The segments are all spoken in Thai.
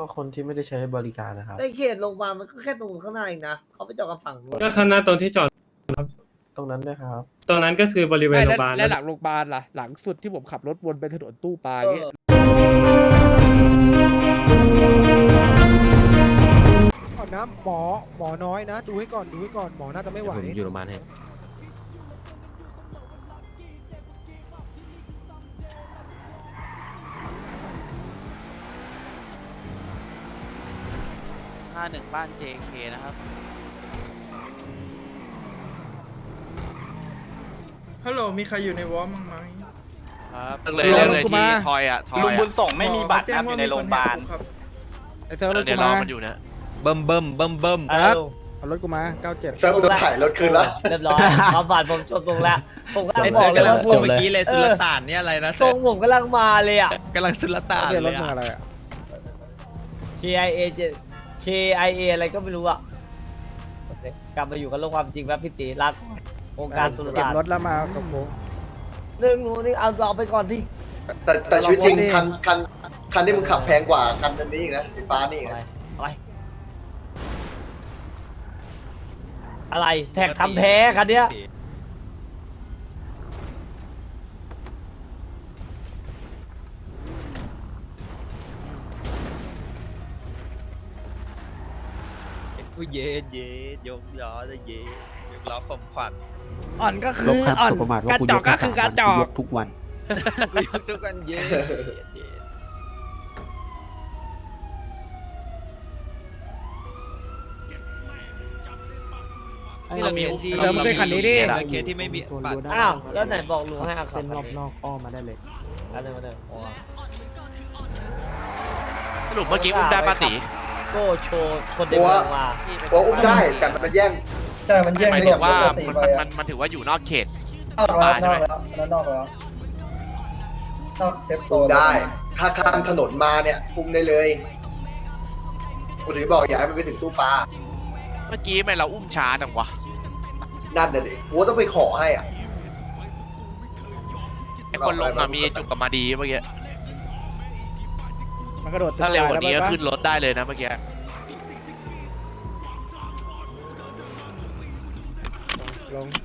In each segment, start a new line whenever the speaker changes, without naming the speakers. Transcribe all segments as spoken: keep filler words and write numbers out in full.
คนที่ไม่ได้ใช้บริการนะครับ
ในเขตโรงพยาบาลมันก็แค่ตรงข้างหน้าเองนะเขาไปจอดกับฝั่งนู้น
ก็ข้างหน้าตรงที่จอด
ตรงนั้นด้วยครับ
ตรงนั้นก็คือบริเวณ
ไม่
โร
แล้ว
งพยาบาล
แล้วหลังโรงพยาบาลล่ะหลังสุดที่ผมขับรถวนไปถนนตู้ปลาอย่างเงี้ย
ก่อนนะหมอหมอน้อยนะ ดูให้ก่อนดูให้ก่อนหมอน่าจะไม่ไหว
ผมอยู่โรงพยาบาลให้
ห้าหนึ่งบ้าน เจ เค นะครับ
ฮัลโหลมีใครอยู่ในวอร์มบ้างไหม
ครับเรื่องเลยเรื่องเลยที่ทอยอ่ะทอย
ลุงบุญส่
งไม่มีบัตรครับอยู่ในโรงพยาบาล
ไอ้เซลรถ
เดี๋
กู
ยวรอ
มา
มันอยู่นะ
เบิ่มเบิ่มเบิ่มเบิ่ม
ครับเอารถกูมาเก้าเจ็ด
เซิร์ฟโดนถ่ายรถคืนแล้วเรียบร้อยความฝันผมจบตรงแล้วผมก็บอกเลยว่า
พูดเมื่อกี้เลยสุลต่านเนี่ยอะไรนะ
ทรงผมกำลังมาเลยอ่ะ
กำลังสุลต่าน
เดี๋ยว
เล
รถ
ย
มึงอะไรอ่ะ
เค ไอ เอ เจ็ด เค ไอ เอ อะไรก็ไม่รู้อ่ะกลับมาอยู่กับโลกความจริงแบบพี่ตีรักองค์การสุร
เก็บ
ศาสต
ร
ร์
ถแล้วมากับผม
หนึ่งหนูนี่เอาเอาไปก่อนที่
แต่แต่ชีวิตจริงคันคันคันที่มึงขับแพงกว่าคันนี้อีกนะสีฟ้านี่อีก
อะไร
นะ
อะไรอะไรแท็กทำแท้คันเนี้ย
กูเย็ดเย็ดยกล้อจะเย็ดยกล้อผมขวัญ
อ่อนก็คืออ่อนกระจอกก็คือกระจอก
ทุกวันกูยกทุกวันเย็ดเย็ด
นี่เรามีอุ้ม
เซลมึงเคยคันนี้ดิ
เคสที่ไม่มีบัตร
อ้าวแล้วไหนบอกลุงให้เอาขับ
เส้นรอบนอกอ้อมมาได้เลย
อันนี้มาเลยโอ้
สรุปเมื่อกี้อุ้มได้ปะตี
โก้โชว์คนเดินทางมา
ว่าอุ้มได้แต่มันแย่ง
ใช่มันแย่ง
หมายถึงว่ามันมันมันมันถือว่าอยู่นอกเขต
นอกแล้วนอกแล้วแล้วนอกแล้วนอกเซฟโซ
อุ้ม
น
ได้ ถ้าข้ามถนนมาเนี่ยอุ้มได้เลยกูถึงบอกอย่าให้มันไปถึงตู้ปลา
เมื่อกี้ทำไมเราอุ้มช้าจังวะ
นั่นน่ะดิกูต้องไปขอให้อ่ะ
ไอคนลงอะมีจุกกับมาดีเมื่อกี้
มันกระโดดตึก
ถ้าเร็วกว่า
ตย
นี้
แล้
ก็
ปะ
ขึ้นรถได้เลยนะเมื่อกี้
ลง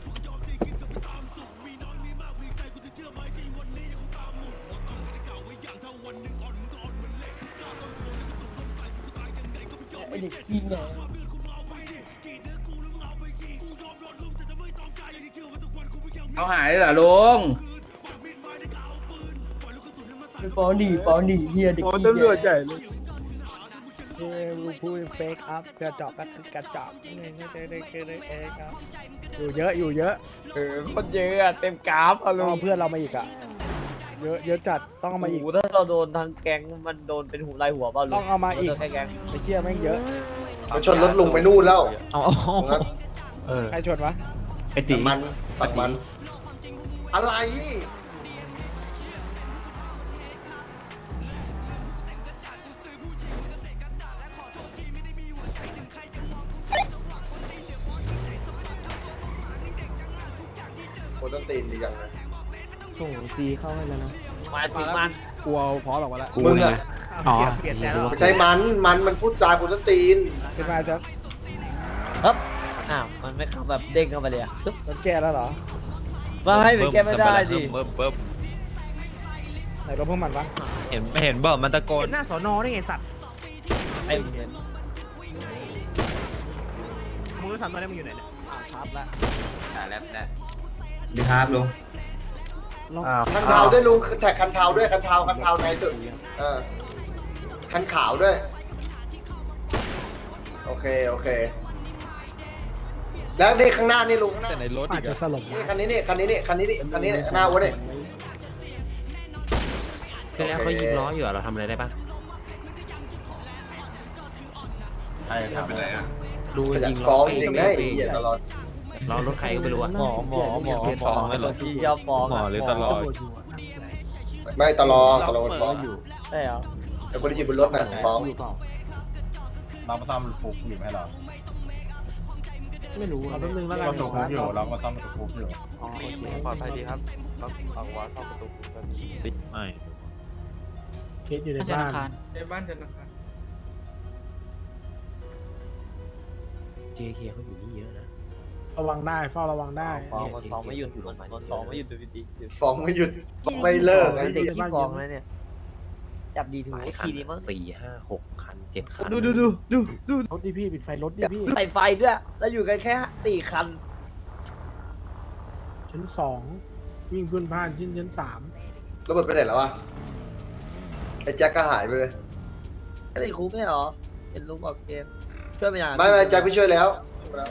ไอเด็กขี้เนี่ย
เขาหายเหรอลุง
ปอหนีปอหนีเฮียเด็กขี้
ตำรวจใหญ่เลย
เฮ้ยพูดเฟกอัพกระจอกก็คือกระจอกนี่ไม่ใช่ได้แค่ได้เองครับอยู่เยอะอยู่เยอะ
เออคนเยอะอะเต็มกราฟอะ
ต้
ลุ
อง
ง
เอาเพื่อนเรามาอีกอ่ะเยอะเยอะจัดต้องเอามาอีก
โโหถ้าเราโดนทางแก๊งมันโดนเป็นหูลายหัวเปล่าลุง
ต้องเอามาอีก
โดนแค่แก๊ง
ไอ้เชี่ยแม่งเยอะ
มันชนรถลุงไปนู่นแล้ว
เอาเอา
ตรงนั้น
เออ
ใครชนวะ
ไอตี
ฝั่งมันฝั่งมัน อะไร คนต้นตีนดีจังเลย
ส่งซีเข้าให้แล้วนะ
มาถึงมัน
กลัวพอหรอกวะละ
มึงอะ
อ๋อ
ไม่ใช่มัน มันมันพูดจาคนต้นตีน
ขึ้นมาเถอะ
ครับอ้าวมันไม่เข้าแบบเด้งเข้าไปเลยอะปึ๊บ
รถแก้แล้วเหรอ
มาให้ไปแก้ไม่ได้ดิ
เบิ่มเบิ่ม
ไหนรถพวกมันวะ
เห็นเห็นบ่มันตะโกน
หน้าสอนอได้ไงสัตว์
ไอ้เหี้ย
มึงทำตอนนี้มึงอยู่ไหนเนี่ยครับละ
อ่าแล้วนะ
ดีครับลุงอ้าว
คันเทาด้วยลุงแท็กคันเทาด้วยคันเทาคันเทาในสุดเออคันขาวด้วย โอเค โอเค แล้วนี่ข้างหน้านี่ลุงข้างหน้า
แต่ในรถ
อา
อี
จ
ก
จะ
อะ
สลบ
นี่คันนี้นี่คันนี้นี่คันนี้นี่คันนี้นี่หน้าวัวนี่
แล้วเขายิงล้ออยู่อะเราทำอะไรได้ปะ
ใช่ครับ
ดู
อยาก
ยิงล้
ฟ้
อ
อง
ไป
จริงๆนะไอ้เหี้ยตลอด
ล้อรถใครก็ไม่รู้อะ
หมอหมอหมอหมอหมอที่เจ้าฟ้องะ
ไม่ตลอดตลอดฟ้อง
ใช่เหรอ
แต่คนที่อยู่บนรถน่ะฟ้อง
เรามาซ่อมฟุกอยู่ไหมเหรอ
ไม่รู้เอาแป๊บนึงแล้วกั
ก็
น
ถูกฟุกอยู่เราก็ซ่อมฟุกอยู่
อ๋อโอเค
ปลอดภัยดีครับต้องเอาว่าเข้าประตู
ไม่
เคสอยู่ใน
ในบ้านธนาคาร
เจเคเขาอยู่นี่เยอะนะ
ระวังได้เฝ้าระวังได้
ฟ้องมันฟ้องไม่หยุดมันฟ้องไม่หยุดดูดี
ฟ้องไม่หยุดฟ้องไม่เลิกไอ้
เด็ก
เหี้ย
ขี้ฟ้องแล้วเนี่ยจับดีถูก
หลายคั
ที
น
นี้มั้ง
สี่ห้าหกคันเจ็ดคัน
ดูดูดูดูดู
รถดิพี่ปิดไฟรถดิพี่
ใส่ไฟด้วยแล้วอยู่กันแค่สี่คัน
ชั้นสองวิ่งพื้นผ่านชั้นชั้นสาม
ระเบิดไปไหนแล้ววะไอ้แจ็คก็หายไปเลย
ก็ได้ครูไม่เหรอเห็นลุงบอกเกมช่วยไปอย่าง
ไม่ไม่แจ็คพี่ช่วยแล้วช่วยแล้ว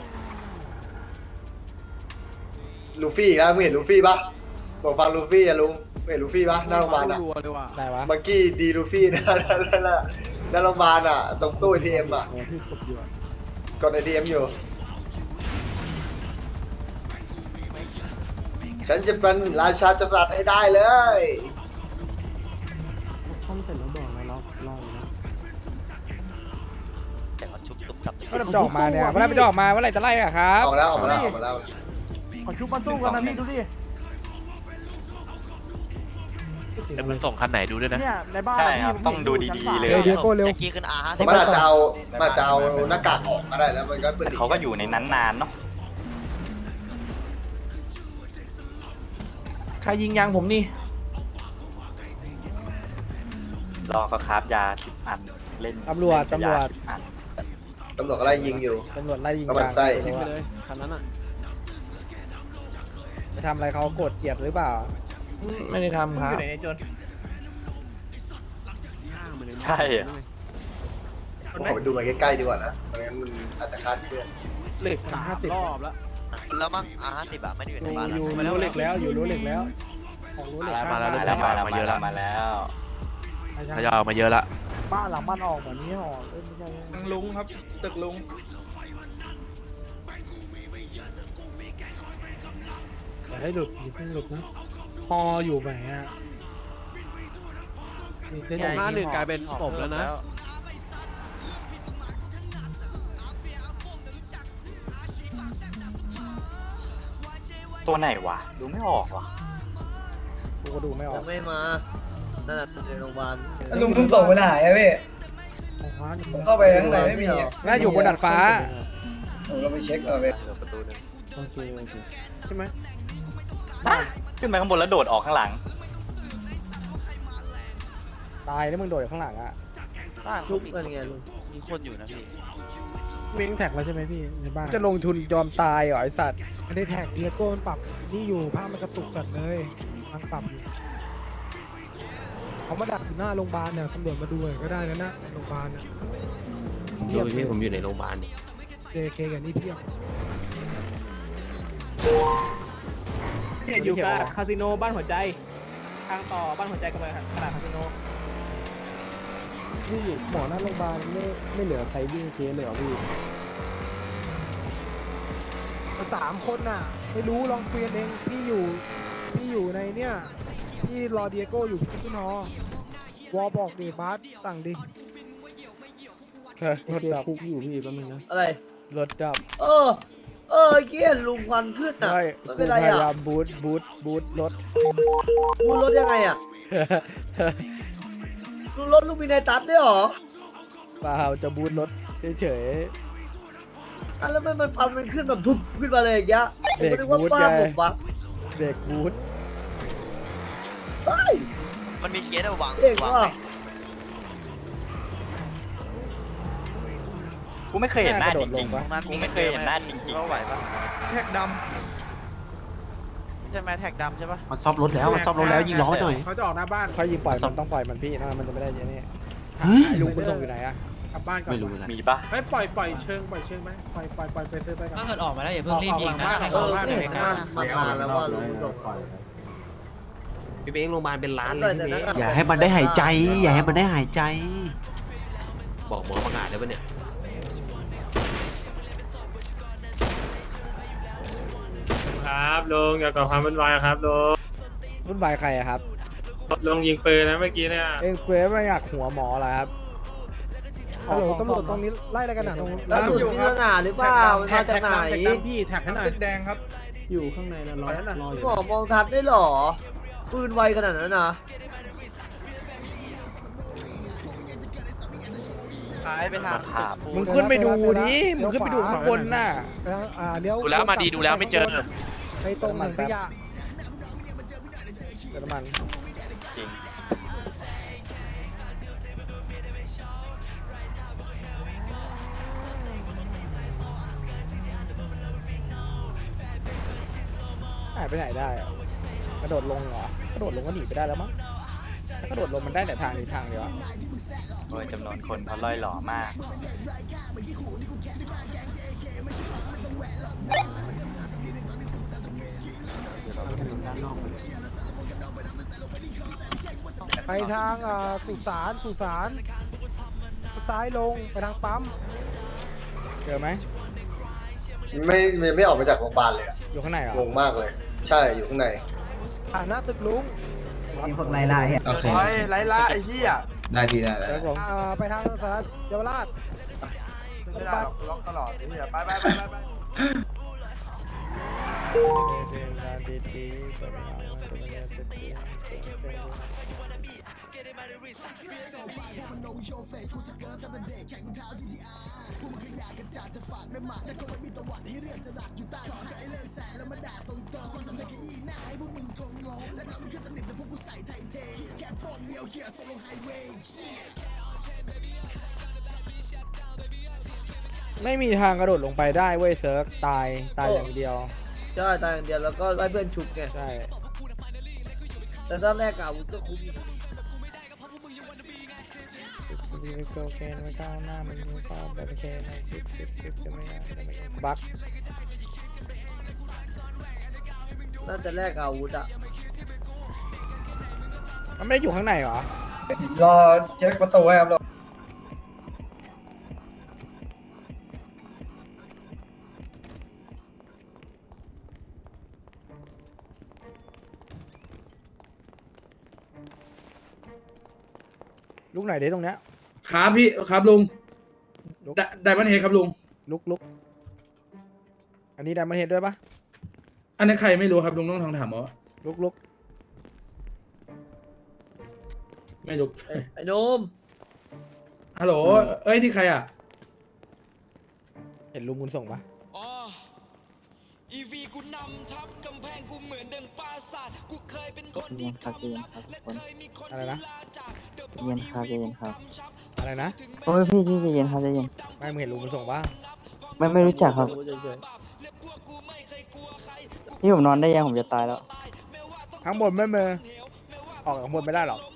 ลูฟี่อีกแล้วมึงเห็นลูฟี่ปะบอกฟังลูฟี่อะลุงมึงเห็นลูฟี่ปะหน้าโรงพยาบาลอะ
ได้วะ
เมื่อกี้ดีลูฟี่นะนั่นน่ะหน้าโรงพยาบาลอะตรงตู้ เอ ที เอ็มอะ
โอ้พี่กดอยู่อะ
กด เอ ที เอ็ม อยู่ ฉันจะเป็นราชาจักรพรรดิให้ได้เลย
ช่องเสร็จแล้วบอกแล้วรอรออยู่นะ
แต่เขาชุบตุ๊บตับ
เมื่อไหร่มันจะออกมาเนี่ยเมื่อไหร่มันจะออกมาเมื่อไหร่จะไล่อะครับ
ออกแล้วออกมาแล้วออกมาแล้ว
ขอชุบมาสู้กันนะพี่ดูดิ
แต่มันส่งคันไหนดูด้วยนะ
เนี่ยในบ้าน
ใช่ครับต้องดูดีๆเลย
เร็วเดียโก้เร็ว
แจ็คกี้ขึ้นอาร์ห้าสิบ
มันอาจจะเอามันอาจจะเอาหน้ากากออกก็ได้แล้วมันก็เป็น
เขาก็อยู่ในนั้นนานเนาะ
ใครยิงยางผมนี่
รอเขาคราฟยาสิบอันเล่น
ตำรวจตำรวจ
อัน
ตำรวจก็ไล่ยิงอยู่
ตำรวจไล่ยิง
เอามัน
ยาง
ไส้
ยิงไปเลยคันนั้นอ่ะไปทำอะไรเขาโกรธเกลียดหรือเปล่า ไม่ได้ทำครับ
ใช่อะ
ขอไปดูมาใกล้ๆดีกว่านะไม่งั้นมันอาจจะคลาดเคลื่อน
เหล็กห้าสิบรอบแล้ว
แล้วมั้งอาร์ห้าสิบอะไม่ได้อยู่ในบ้าน
อยู่รั้วเหล็กแล้วอยู่รั้วเหล็กแล้วของรั้วเหล็ก
มาแล้ว
มา
มา
แล้ว
แล้ว
มาแล้วมาแล้ว
ทยอยออกมาเยอะละ
บ้านหลังบ้านออกเหมือนนี้ออกเอ้ยไม่ใช่
ลุงครับ ตึกลุง
อย่าให้หลุดอย่าเพิ่งหลุดนะพออยู่ไหนอ่ะมีเส้น
หน้าหนึ่งกลายเป็นศพแล้วนะ
ตัวไหนวะดูไม่ออกว่ะ
กูก็ดูไม่ออ
ยั
ก
งไม่มานั่นแหละในโรงพยาบาล
ลุงเพิ่งส่งไปไหนอะพี่
ของฟ้านี่
ผมเข้าไปข้างในไม่มีอะ
น่าอยู่บนดาดฟ้า
ผมก็ไปเช็คเอาพี่
ประตูนึง
โอเคโอเคใช่ไหม
ขึ้นไปข้างบนแล้วโดดออกข้างหลัง
ตายแล้วมึงโดดอยู่ข้างหลังอ่ะ
ทุกกันไงลุง
มีคนอยู่นะพี่
เม้งแท็กแล้วใช่ไหมพี่ในบ้านจะลงทุนยอมตายเหรอไอสัตว์
ไม่ได้แท็กเดียโก้มันปรับนี่อยู่ภาพมันกระตุกจัดเลยมันปรับอยู่เขามาดักอยู่หน้าโรงพยาบาลเนี่ยตำรวจมาดูหน่อยก็ได้นะนะโรงพยาบาลเนี่ย
ดูพี่ผมอยู่ในโรงพยาบาลนี่
เจเคกันนี่เพียบ
อยู่กับคาสิโนบ้านหัวใจทางต่อบ้านหัวใจกันไปขนาดคาสิโนพี่หมอหน้าโรงพยาบาลไม่ไม่เหลือใครวิ่งเคสเลยเหรอพี่
สามคนน่ะ ไม่รู้ลองคุยกันเองพี่อยู่พี่อยู่ในเนี่ยพี่รอเดียโก้อยู่ที่ขึ้นฮอวอบอกดิบาสสั่งดิ
รถดับคุกอยู่พี่แป๊บนึงนะ
อะไร
รถดับ
เออ เออเกี้ยลุงควันขึ้นอ่ะ
ไม่
ไม่
กู
เป็น
พ
ไร
ยา
อ่ะ
ยามบูทบูทบูทรถ
ลุงรถยังไงอ่ะลุงรถลุงมีในตัดด้วยเหรอ
เปล่าจะบูทรถเฉย
อ่ะแล้วมันมันฟันมันขึ้นแบบพุบขึ้นมาเลยอย่างเงี้ยผมก็นึกว่า
เด็กบู๊ด
ป้า
ไง
ผมวะ
ๆเด็กบูท
เฮ้ย
มันมีเคสเอาวาง
เด็ก
วาง
ว่ะ
ไหมกูไม่เคยเห็นหน้าจริงๆกูไม่เคยเห็นหน้าจริงๆ
ไหวปะ
แท็กด
ใช่ไหมแท็กดำใช่ปะ
มันซ่อมรถแล้ว มันซ่อมรถแล้วยิงล้อหน่อย
เขาจะออกหน้าบ้านค่อยยิงปล่อยมันต้องปล่อยมันพี่นะมันจะไม่ได้เยอะนี่ไอ้ลุงมันส่งอยู่ไหนอะกลับบ้านก่อน
ไม่รู้เลย
มีปะ
ไม่ปล่อยปล่อยเชิงปล่อยเชิงไหมปล่อยปล่อยปล่อยไปซื้อไปก่อน
ถ้าเกิดออกมาแล้วอย่าเพิ่งรีบยิงนะ
เออเด็กมันมานานแล้วว่าลุงส่ง
พี่เบ้งโรงพยาบาลเป็นล้านเล
แต่
ย
แต่
พี่
นั้น
เบ้ง
อะ
อย่าให้มันได้หายใจ อย่าให้มันได้หายใจ
บอกหมอประกาศได้ปะเนี่ย
ครับลุงอย่าก่อความวุ่นวายครับลุง
รุ่นวายใครอะครับ
ลุงยิงปืนนะเมื่อกี้เนี่ย
เอ็งเกรฟไม่อยากหัวหมอเหรอครับ
ฮัลโหลตำรวจตรงนี้ไล่อะไรกันหนาตรง
แล้วสุดที่สนามหรือเปล่ามันมาจากไหน
พี่แท็กให้หน่อยตึกแดงครับ อยู่ข้างในแล้วรอรออยู่
หมอมองทัดได้เหรอปืนไวขนาดนั้นนะ
อ
ท้ายไปทางขาปู
มึงขึ้นไปดูดิมึงขึ้นไปดูข้างบนน่ะ
ไปทางอ่าเลี้ยว
ดูแล้วมาดีดูแล้วไม่เจอ
ไปตรงเหมือนขยะ
เติมน้ำมัน
จริง
หายไปไหนได้อะกระโดดลงเหรอกระโดดลงก็หนีไปได้แล้วมั้งถ้ากระโดดลงมันได้แต่ทางนี้ทางเดียวอะ
โอ้ยจำนวนคนเขาล่อยหล่อมาก
ไปทางอ่าสุสานสุสานซ้ายลงไปทางปั๊ม
เจอไหม
ไม่ไม่ไม่ออกมาจากโรงพยาบาลเลยอะ
อยู่ข้างในเหรอง
งมากเลย ใช่อยู่ข้างใน
ผ่านหน้าตึกลุง
มีพวกไล่ล่าโอเค
ไล่ล่าไอ้เหี้ย
ได้พี่ได้
เจอผม
อ่าไปทางสารเยาวราช
ไม่ได้ล็อกตลอดไอ้เหี้ยไปไปไปไป
ไม่มีทางกระโดดลงไปได้เว้ยเซิร์ฟตายตายอย่างเดียว
ใช่ตายอย่างเดียวแล้วก็ไล่เพื่อนชุบไง
ใช่
แต่ตอนแรกอะอาวุธก็คุ้มอยู่
โคเคนไม่ก้าวหน้ามันไม่ก้าวแบบเคนคลิปคลิปคลิปจะไม่ได้บั๊ก
น่าจะแลกอาวุธอะ
มันไม่ได้อยู่ข้างในเหรอ
รอเช็คประตูไว้ครับรอ
ลุกไหนอยดิตรงเนี้ย
ครับพี่ครับลุง
ลุก
ไดมอนเฮดครับลุง
ลุกลุกอันนี้ไดมอนเฮดด้วยปะ
อันนั้นใครไม่รู้ครับลุงต้องทองถามเอา
ลุกลุก
ไม่รู้
ไอ้ไอ้โนม
ฮัลโหลเอ้ยนี่ใครอ่ะ
เห็นลุงคุณส่งปะ
อีวีกูนำทับกำแพงกูเหมือนดังปราสาทกูเคยเป็นคนที่ทำลับและเคยมีคน
อะไรนะ
เย็นครับเย็นครับ
อะไรนะ
โอ้ยพี่พี่พี่เย็นครับเย็น
ไม่มึงเห็นลุงคุณส่งปะ
ไม่ไม่รู้จักครับ
เฉย
พี่ผมนอนได้ยังผมจะตายแล้ว
ข้างบนไม่เมอออกข้างบนไม่ได้หรอก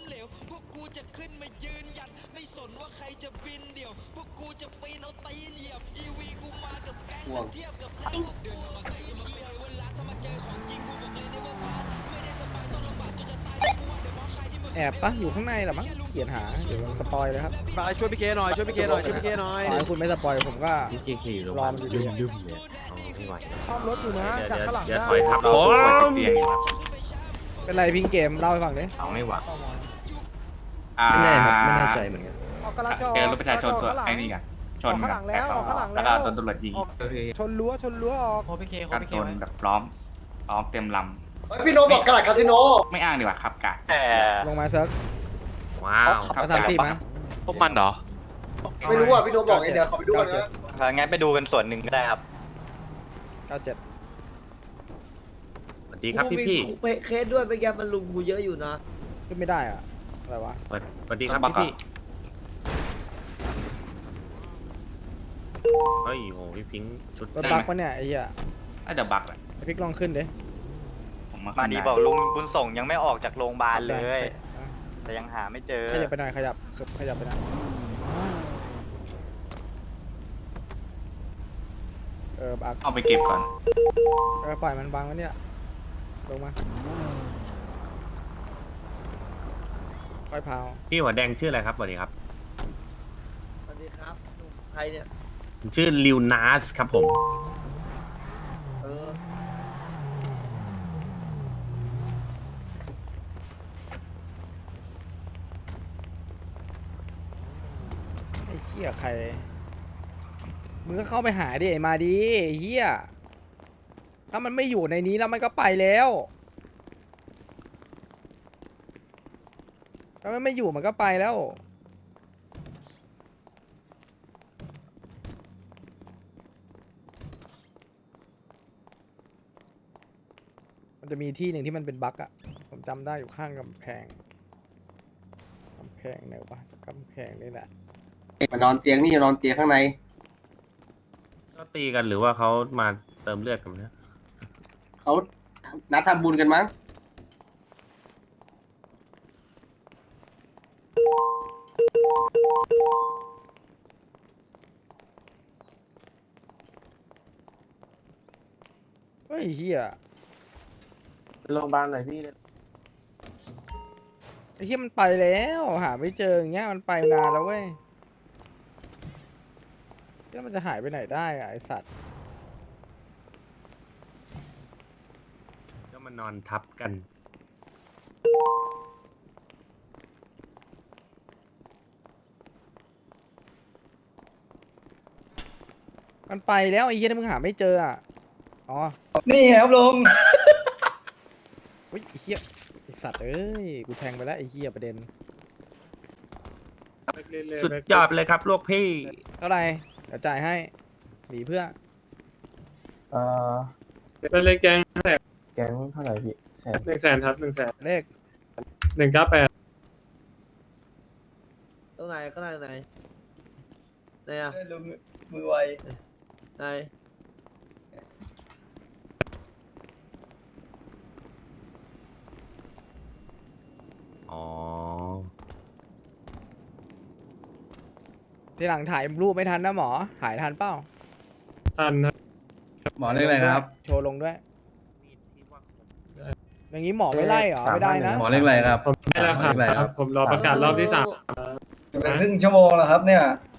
แอบปะอยู่ข้างในเหรอมั้งเขียนหาเดี๋ยวสปอยเลยครับ
ไปช่วยพี่เคหน่อยช่วยพี่เคหน่อยช่วยพี่เคหน่อย
ขอให้คุณไม่สปอยผมก็รอมอยู่ดีอะ
ซ่อมรถอยู่นะจากข้างหลังได้
โอ้ย
เป็นไรพิงเกมเล่าให้ฟังดิ
เอาไม่หวังอ่า
ไม่แน่ครับไม่แน่ใจเหมือนกัน
ออกกำลังจะ
เจอรถประชาชนส่วนไอ้นี่กันชน
ข้างหลังแล้วออกข้างหลัง
แล้
แล้ว ว
ก็โดนตำรวจยิง
ชนรั้วชนรั้วออก
การชนแบบล้อมล้อมเต็มล
เฮ้ยพี่โนบอกกระดาษคาสิโน
ำไม่อ้างดีกว่าขับกะ
แต่
ลงมาเซิร์ฟ
ว้าว
เอาสามสี่มา
พวกมันเหรอ
ไม่รู้อ่ะพี่โนบอกไงเดี๋ยวขอไปดูก่อนนะ
งั้นไปดูกันส่วนหนึ่งก็ได้ครับ
เก้าเจ็ด
สวัสดีครับพี่พี่
กูมีเคสด้วยไปแกมันลุมกูเยอะอยู่นะ
ขึ้นไม่ได้อะอะไรวะ
สวัสดีครับพี่พี่เฮ้ยโหพี่พิงชุด
รถบักปะเนี่ยไอ้เหี้ย
น่าจะบักแหละ
ไอ้พิกลองขึ้นดิ
ผมมา
มาดีบอกลุงบุญส่งยังไม่ออกจากโรงพยาบาลเลย แต่ยังหาไม่เจอ
ขยับไปหน่อยขยับขยับไปหน่อยเออบัก
เอาไปเก็บก่อน
เออปล่อยมันบังไว้เนี่ยลงมาค่อยพาว
พี่หัวแดงชื่ออะไรครับสวัสดีครับ
สวัสดีครับใครเนี่ย
ผมชื่อลิวนาสครับผม
เออ
ไอ้เหี้ยใครมึงก็เข้าไปหาดิไอ้มาดีไอ้เหี้ยถ้ามันไม่อยู่ในนี้แล้วมันก็ไปแล้วถ้ามันไม่อยู่มันก็ไปแล้วจะมีที่หนึ่งที่มันเป็นบั๊กอะผมจำได้อยู่ข้างกำแพงกำแพงไหนวะกำแพงนี่แหละ
มานอนเตียงนี่นอนเตียงข้างใน
ก็ตีกันหรือว่าเขามาเติมเลือดกันเนี่ย
เขานัดทำบุญกันมั้ง
เฮ้ยเฮีย
โรงพยาบาลหน่อยพี่
ไอ้เฮียมันไปแล้วหาไม่เจออย่างเงี้ยมันไปนานแล้วเว้ยแล้วมันจะหายไปไหนได้อะไอสัตว์
ก็มานอนทับกัน
มันไปแล้วไอ้เฮียที่มึงหาไม่เจออ่ะอ๋อ
นี่ครับลุง
เฮ้ยไอ้เฮียไอสัตว์เอ้ยกูแทงไปแล้วไอ้เฮียประเด็น
สุดยอดเลยครับลูกพี่
เท่าไหร่เดี๋ยวจ่ายให้หนีเพื่อ
เอ่อ
เป็นเลขแจ้ง
แก๊งเท่าไหร่พี่แสน
หนึ่งแสนครับหนึ่งแสน
เลข
หนึ่งเก้าแปด
ตรงไหนข้างในไหนไหนอะ
ลุงมือไว
ไหน
อ๋อ
ทีหลังถ่ายรูปไม่ทันนะหมอถ่ายทันเปล่า
ทันนะ
หมอเรียกอะไรครับ
โชว์ลงด้วยอย่างนี้หมอไม่ไล่เหรอไม่ได้นะ
หมอเรียกอะไรครับ
ผมไม่แล้วครับ ผมรอประกาศรอบที่สาม
จะเป็นครึ่งชั่วโมงแล้วครับเนี่ย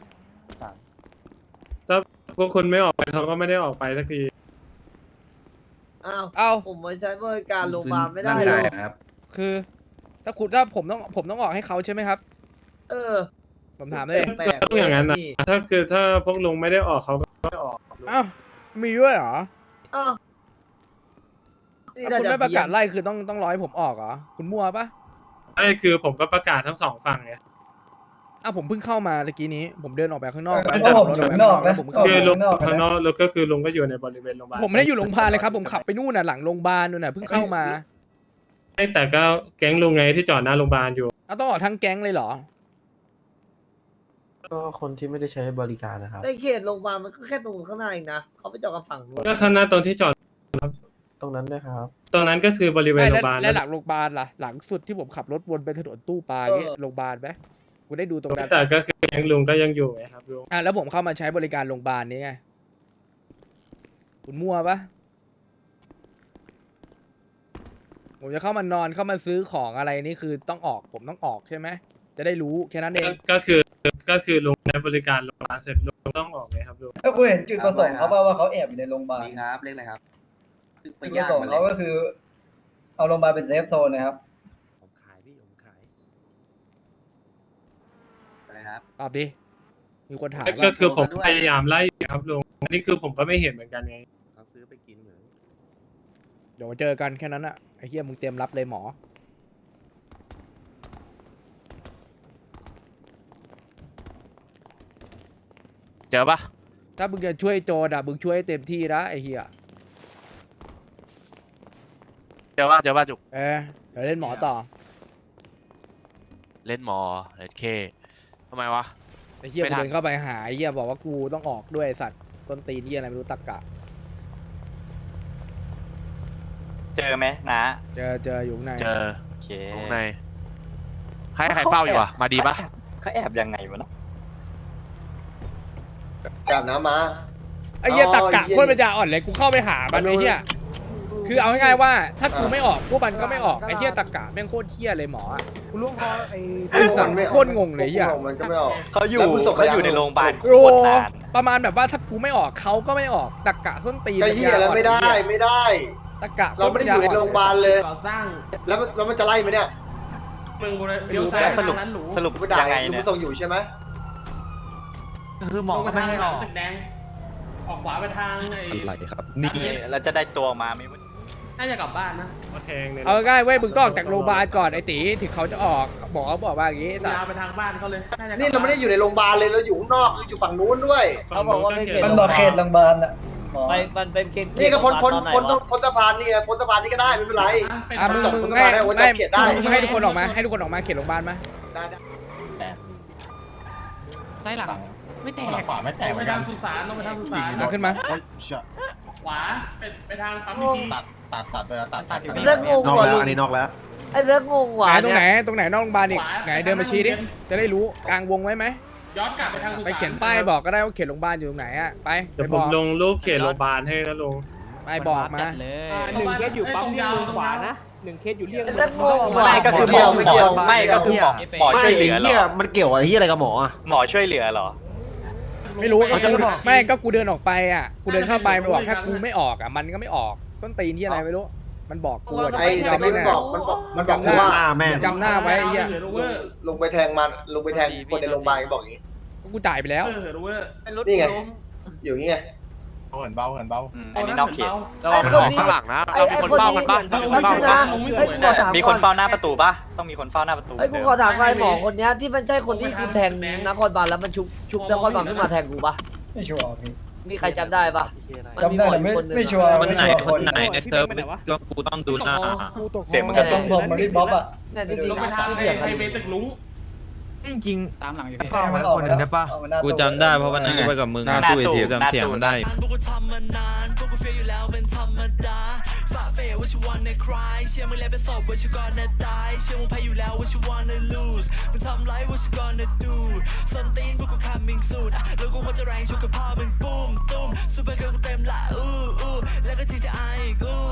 ถ้าพวกคุณไม่ออกไปเขาก็ไม่ได้ออกไปสักที
อ้าว
เอา
ผมมาใช้บริการโรงพยาบาลไม่ได้
ร่าง
เล
กาย
ย
ครับ
คือ ถ้าคุณถ้าผมต้องผมต้องออกให้เขาใช่ไหมครับ
เออ
ผมถามเลย
แปลก
ก็ต้องอย่างนั้นนะ ถ้าคือถ้าพวกลุงไม่ได้ออกเขาก็ไม่ออก
เอ้ามีด้วยเหรอ
อ้าวนี่
ถ้า
น่า
คุณ
จะ
ไม่ประกาศ
เพี้ยน
ไล่คือต้องต้องร้อยผมออกเหรอคุณมั่วปะ
ไอ้คือผมก็ประกาศทั้งสองฝั่งไง
อ้าวผมเพิ่งเข้ามาตะกี้นี้ ผมเดินออกไปข้างนอก
เพราะผมอยู่ข้างนอกนะ
ผม
คือ
เข้า
ลุง
ข้างนอกนะ
ข้างนอกแล้วก็คือลุงก็อยู่ในบริเวณโรงพยาบาล
ผมไม่ได้อยู่โรงพยาบาลเลยครับผมขับไปนู่นน่ะหลังโรงพยาบาลนู่นน่ะเพิ่งเข้ามา
ไม่แต่ก็แก๊งลุงไงที่จอดหน้าโรงพยาบาลอยู่
เอาต้องออกทั้งแก๊งเลยเหรอ
ก็คนที่ไม่ได้ใช้บริการนะครับ
ในเขตโรงพยาบาลมันก็แค่ตรงข้างหน้าเองนะเขาไปจอดกับฝั่งนู้น
ก็ข้างหน้าตรงที่จอด
ตรงนั้นด้วยครับ
ตรงนั้นก็คือบริเวณ
ไม่
โร
แล้ว
งพยาบาล
แล้วหลังโรงพยาบาลล่ะหลังสุดที่ผมขับรถวนไปถนนตู้ปลาเงี้ยโรงพยาบาลไหมกูได้ดูตรงนั้น
แต่ก็คือแก๊งลุงก็ยังอยู่ไงครับลุง
อ่ะแล้วผมเข้ามาใช้บริการโรงพยาบาลนี้ไงคุณมั่วปะผมจะเข้ามานอนเข้ามาซื้อของอะไรนี่คือต้องออกผมต้องออกใช่ไหมจะได้รู้แค่นั้นเอง
ก็คือก็คือลุงใช้บริการโรงพยาบาลเสร็จลุงต้องออกไงครับลุง
ถ้าคุณเห็นจุดประสงค์เขาป่าว่าเขาแอบอยู่ในโรงพยาบาล
นี่ครับเรียกอะไรครับ
จุดประสงค์เขาก็คือ เอาโรงพยาบาลเป็นเซฟโซนนะครับ
ผมขายพี่ผมขายอะไรครับ
ตอบดิมีคนถาม
ก็
ว่า
คือผมพยายามไล่ครับลุงนี่คือผมก็ไม่เห็นเหมือนกันไง
เขาซื้อไปกินเหมือน
เดี๋ยวเจอกันแค่นั้นอะไอ้เหี้ยมึงเตรียมรับเลยหมอ
เจอปะ
ถ้ามึงจะช่วยโจรอะมึงช่วยให้เต็มที่นะไอ้เหี้ย
เจอปะเจอปะจุก
เออเดี๋ยวเล่นหมอต่อ
เล่นหมอเอเคทำไมวะ
ไอ้เหี้ย
ไม่
กู
ทัน
เดินเข้าไปหาไอ้เหี้ยบอกว่ากูต้องออกด้วยไอ้สัตว์ต้นตีนเหี้ยอะไรไม่รู้ตักกะ
เจอไหมนะ
เจอเจออยู่ข้างใน
เจอ
โอเค
ตรงในให้ใครเฝ้าอยู่อ่ะมาดีปะ
เขาแอบยังไงวะเนาะ
กลับน้ำมา
ไอ้เหี้ย
อ๋อ
ตักกะ
เหี้ย
โคตรปัญญาอ่อนเลยกูเข้าไปหามันไอ้เหี้ยคือเอาง่ายๆว่าถ้ากูไม่ออกพวกมันก็ไม่ออกไอ้เหี้ยตักกะแม่งโคตรเหี้ยเลยหมออะ
คุณลุงพอไอ้
ไอ้สัตว์โคตรงงเลยเหี้ย
มันก็ไม่ออก
เขาอยู่
แล้วคุณส่ง
เขาอยู่
ไปยัง
ในโรงพยาบาลโค
โอ้
ตรนาน
ประมาณแบบว่าถ้ากูไม่ออกเขาก็ไม่ออกตักกะส้นตีน
ก็เหี้ยแล้วไม่ได้ไม่ได้
ตักกะ
เราไม่ได้อยู่ในโรงพยาบาลเลย แล้วมันแล้วมันจะไล่ไหมเนี่ย
ไม่รู้
สรุปสรุป
กูด่า
ยังไง
ลุง
เนี่
ไป
ย
ส่งอยู่ใช่ไหม
คือหมอก็ไม่ให้ออก
ออกขวาไปทางไอ้
อะไรครับ
นี่เราจะได้ตัวมาไหมวะ
น่าจะกลับบ้านนะ
ก็แทงเนี่ย
เอาง่ายๆเว้ยมึงต้องออกจากโรงพยาบาลก่อนไอ้ตีถึงเขาจะออกบอกเขาบอกว่าอย่างงี้ไอ้สัต
ยาว
ว์
ไปทางบ้านเขาเลยน่าจะกลับ
นี่เราไม่ได้อยู่ในโรงพยาบาลเลยเราอยู่ข้างนอกอยู่ฝั่งนู้นด้วย
เขาบอกว่าไม่เขต
มันบอกเขตโรงพยาบาลอ่ะหมอ
ไปมันเป็นเกณฑ์
นี่ก็พ้นพ้น
ตอไห
พ้น
วะ
พ้นสะพานนี่ไงพ้นสะพานนี่ก็ได้ไม่เป็นไร
อ่ะมึง
จบ
มึง
สะ
ไม่
พานได้โอ้ย
ไม่
จบเขตได้
มึงให้ทุกคนออกมาให้ทุกคนออกมาเขตโรงพยาบาลมา
ได้ได้
ไส้หลังไม่แตก
ขวาไม่แตกเหมือนกัน
สุสานต้องไปทางสุสาน
เอาขึ้นมา
ขวาเป็นไปทางปั๊มพี
ตัดตัดตัดไปแล้วตัดตัด
เรื่องงงว่ะลุง
อันนี้นอกแล้ว
ไอ้เรื่องงง
ไห
ว่ะ
นตรงไหน
เย
ตรงไหนนอกโรงพยาบาลอีกไหนเดินมาชี้ดิจะได้รู้กลางวงไว้ไหม
ย้อนกลับไปทางสุสาน
ไปเขียนป้ายบอกก็ได้ว่าเขตโรงพยาบาลอยู่ตรงไหนอ่ะไป
เดี๋
ไป
ยว
บ
ผม
อก
ลงรูปเขตโรงพยาบาลให้นะลุง
ไปบอกมา
เลย
หนึ่งเคสอยู่ปั๊มเลี่ยงเมืองขวานะ
ไอ้เรื่องงงว่ะ
ไม่ก็คือหมอไม่เกี่ยวไม่ก็คือหมอหมอช่วยเหลือเหรอ
มันเกี่ยวอะไรที่อะไรกับหมออ่ะ
หมอช่วยเหลือเหรอ
ไม่รู้
เขาจะบอก
ไม่ก็กูเดินออกไปอ่ะกูเดินเข้าไปมันบอกถ้ากูไม่ออกอ่ะมันก็ไม่ออกต้นตีนที่อะไรไม่รู้มันบอกกูอะ
ไอ้
ที่
ตะ
เรา
กี้
ไม่
มัน
แน่
บอกมันบอกมันบอกว่า
จำหน้าไว้ไอ้เหี้ย
ลงไปแทงมันลงไปแทงคนในโรงพยาบาลบอกอย่างนี้
กูจ่ายไปแล้ว
นี่ไงอยู่อย่างนี้ไง
เหินเบาเหินเบา
อืมอันนี้นอกเขต
ไอ้คนนี้ข้างหลังนะเรามีคนเฝ้ากันบ้างไม่ใช่นะไอ้กูขอถาม
มีคนเฝ้าหน้าประตูปะต้องมีคนเฝ้าหน้าประตู
ไอ้กูขอถามไอ้หมอคนเนี้ยที่มันใช่คนที่กูแทงนครบาลแล้วมันชุบชุบนครบาลขึ้นมาแทงกูปะ
ไม่ชัวร์พี่
มีใครจำได้ปะ
จำได้แต่ไม่ไม่ชัวร์
คนไหน
ไม่ชัวร์
คนไหนในเซิร์ฟก็กูต้องดูหน้า
กูตก
เสียงมัน
แต่
กระ
ต
ตุ
ร
ก
งผมมาริบ๊อบอ่ะ
เนี่ยจริงๆที่เถียงกันอยู่
จริงตามหลังอยู่
ข้ามาคนหนึ่งได้ปะ
กูจำได้เพราะวันนั้นกูไปกับมึง
หน้าตู้
จำเสียงมันได้
พวกกูทำมานานพวกกูเฟียอยู่แล้วเป็นธรรมดาฝ่าเฟยว่าชิวันในคลายเชื่อมึงแล้วเป็นศพว่าชิวันในตายเชื่อมึงแพ้อยู่แล้วว่าชิวันใน lose มึงทำไรว่าชิวันใน do ส้นตีนพวกกู coming soon อ่ะแล้วกูควรจะแรงชุกกับพ่อมึงปุ้มตุ้มซูเปอร์เกิร์ลกูเต็มละอู้อู้แล้วก็ จี ที ไอ อีกอู้